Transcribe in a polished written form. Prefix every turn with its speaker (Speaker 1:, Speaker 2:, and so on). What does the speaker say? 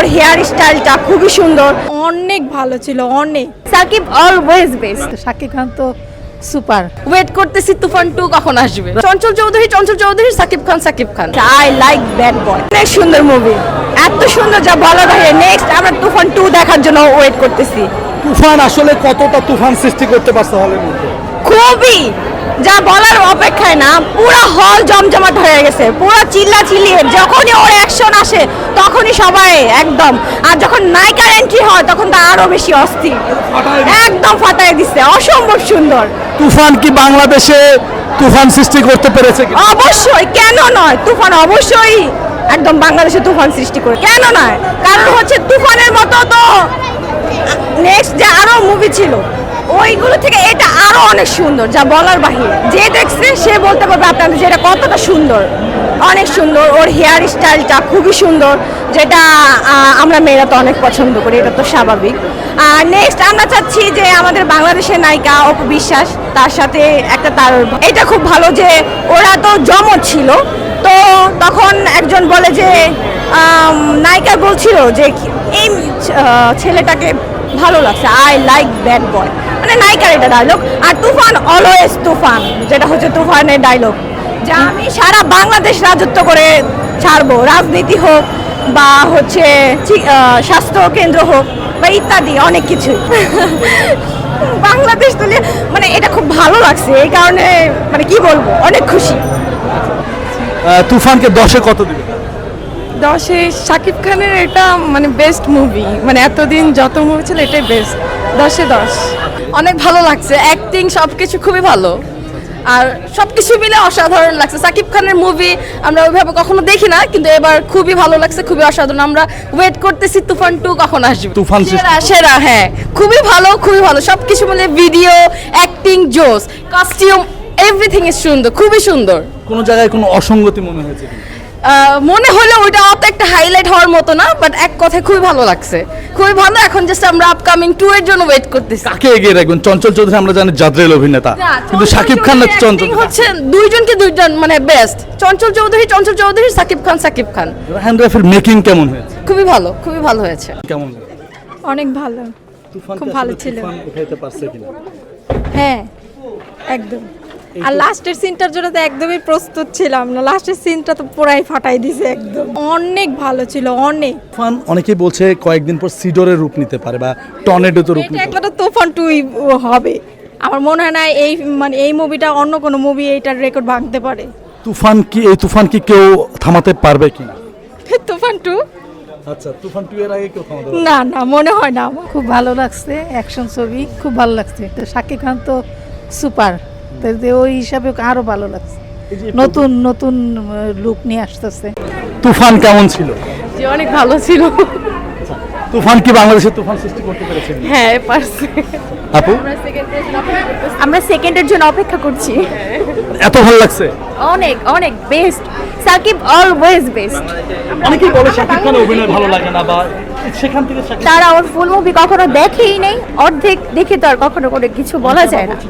Speaker 1: ওর hair স্টাইলটা খুবই সুন্দর,
Speaker 2: অনেক ভালো ছিল অনেক।
Speaker 1: Sakib always best.
Speaker 2: শাকিব খান তো সুপার।
Speaker 3: ওয়েট করতেছি তুফান 2 কখন আসবে। Chanchal Chowdhury, Sakib Khan.
Speaker 1: I like bad boy, অনেক সুন্দর মুভি, এত সুন্দর যা বলা যায়। নেক্সট আমরা তুফান 2 দেখার জন্য ওয়েট করতেছি।
Speaker 4: তুফান আসলে কতটা তুফান সৃষ্টি করতে পারছে হলের মধ্যে?
Speaker 1: খুবই, যা বলার অপেক্ষায় না, পুরো হল জমজমাট হয়ে গেছে, পুরো চিল্লিয়ে যখনই ওর অ্যাকশন আসে তখনই সবাই একদম, আর যখন নায়িকার এন্ট্রি হয় তখন তো আরো বেশি অস্থির, একদম ফাটায় দিচ্ছে, অসম্ভব সুন্দর।
Speaker 4: তুফান কি বাংলাদেশে তুফান সৃষ্টি করতে পেরেছে কি?
Speaker 1: অবশ্যই, কেন নয়, তুফান অবশ্যই একদম বাংলাদেশে তুফান সৃষ্টি করে, কেন নয়, কারণ হচ্ছে তুফানের মতো তো নেক্সট যে আরো মুভি ছিল ওইগুলো থেকে এটা আরো অনেক সুন্দর, যা বলার বাহিরে। যে দেখছে সে বলতে পারবে আপনাদের যে এটা কতটা সুন্দর, অনেক সুন্দর। ওর হেয়ার স্টাইলটা খুবই সুন্দর, যেটা আমরা মেয়েরা তো অনেক পছন্দ করি, এটা তো স্বাভাবিক। আর নেক্সট আমরা চাচ্ছি যে আমাদের বাংলাদেশের নায়িকা অপু বিশ্বাস, তার সাথে একটা তার, এটা খুব ভালো যে ওরা তো জমজ ছিল, তো তখন একজন বলে যে নায়িকা বলছিল যে এই ছেলেটাকে ভালো লাগছে, আই লাইক ব্যাড বয়, মানে নায়িকার এটা ডায়লগ। আর তুফান অলওয়েজ তুফান, যেটা হচ্ছে তুফানের ডায়লগ, যা আমি সারা বাংলাদেশ রাজত্ব করে ছাড়বো, রাজনীতি হোক বা হচ্ছে স্বাস্থ্য কেন্দ্র হোক বা ইত্যাদি অনেক কিছু। বাংলাদেশ তুলে মানে এটা খুব ভালো লাগছে, এই কারণে মানে কি বলবো, অনেক খুশি।
Speaker 4: তুফানকে 10-এ কত দিবে?
Speaker 2: 10-এ শাকিব খানের এটা মানে বেস্ট মুভি, মানে এতদিন যত মুভি ছিল এটাই বেস্ট। 10-এ 10।
Speaker 3: অনেক ভালো লাগছে, অ্যাক্টিং সবকিছু খুবই ভালো, আর সবকিছু মিলে অসাধারণ লাগছে। সাকিব খানের মুভি আমরা ওইভাবে কখনো দেখি না, কিন্তু এবার খুবই ভালো লাগছে, খুবই অসাধারণ। আমরা ওয়েট করতেছি তুফান 2 কখন আসবে।
Speaker 4: তুফান
Speaker 3: সেরা, হ্যাঁ, খুবই ভালো, সবকিছু মিলে ভিডিও, অ্যাক্টিং, জোস, কস্টিউম, এভরিথিং ইজ সুন্দর, খুবই সুন্দর।
Speaker 4: কোন জায়গায় কোনো অসঙ্গতি মনে হয়েছে কি?
Speaker 3: মনে হলো ওইটা অত একটা হাইলাইট হওয়ার মতো না, বাট এক কথায় খুবই ভালো লাগছে, খুবই ভালো। এখন জাস্ট আমরা আপকামিং 2 এর জন্য ওয়েট করতেছি।
Speaker 4: কাকে এগিয়ে রাখবেন? চঞ্চল চৌধুরী আমরা জানি জাদ্রেল অভিনেতা, কিন্তু শাকিব খান না চঞ্চল
Speaker 3: হচ্ছে দুইজন মানে বেস্ট। চঞ্চল চৌধুরী, সাকিব খান।
Speaker 4: রায়হান রাফির মেকিং কেমন হয়েছে?
Speaker 3: খুবই ভালো হয়েছে।
Speaker 4: কেমন?
Speaker 2: অনেক ভালো,
Speaker 4: তুফান
Speaker 2: খুব ভালো ছিল।
Speaker 4: উঠাইতে পারছে কিনা?
Speaker 2: হ্যাঁ একদম। আর লাস্টের সিনটার জন্য তো একদমই প্রস্তুত ছিলাম না, লাস্টের সিনটা তো পুরাই ফাটাই দিছে একদম। অনেক ভালো ছিল অনেক।
Speaker 4: তুফান অনেকেই বলছে কয়েকদিন পর সিডরের রূপ নিতে পারে বা টর্নেডোতে রূপ
Speaker 2: এটা
Speaker 4: নিতে
Speaker 2: একটা তুফান 2 হবে। আমার মনে হয় না এই মুভিটা অন্য কোনো মুভি এইটার রেকর্ড ভাঙতে পারে।
Speaker 4: তুফান কি কেউ থামাতে পারবে কিনা?
Speaker 2: তুফান 2
Speaker 4: আচ্ছা, তুফান 2 এর আগে কেউ থামাতে পারবে?
Speaker 2: না মনে হয় না আমার।
Speaker 5: খুব ভালো লাগছে, অ্যাকশন ছবি খুব ভালো লাগছে। তো শাকিব খান তো সুপার, তো ওই হিসাবে আরো ভালো লাগছে, নতুন লুক নিয়ে আসতেছে।
Speaker 4: তুফান কেমন ছিল?
Speaker 3: যে অনেক ভালো ছিল।
Speaker 4: তুফান কি বাংলাদেশে তুফান সৃষ্টি করতে পেরেছে?
Speaker 3: হ্যাঁ, পারছে।
Speaker 4: আপু,
Speaker 1: আমরা সেকেন্ডের জন্য অপেক্ষা করছি।
Speaker 4: এত ভালো লাগছে?
Speaker 1: অনেক বেস্ট, সাকিব অলওয়েজ বেস্ট।
Speaker 4: অনেকেই বলে শাকিব খানের অভিনয় ভালো লাগে না, বা সেখান থেকে
Speaker 1: তারা ওর ফুল মুভি কখনো দেখেই নেই, অর্ধেক দেখে তো আর কখনো কোনো কিছু বলা যায় না।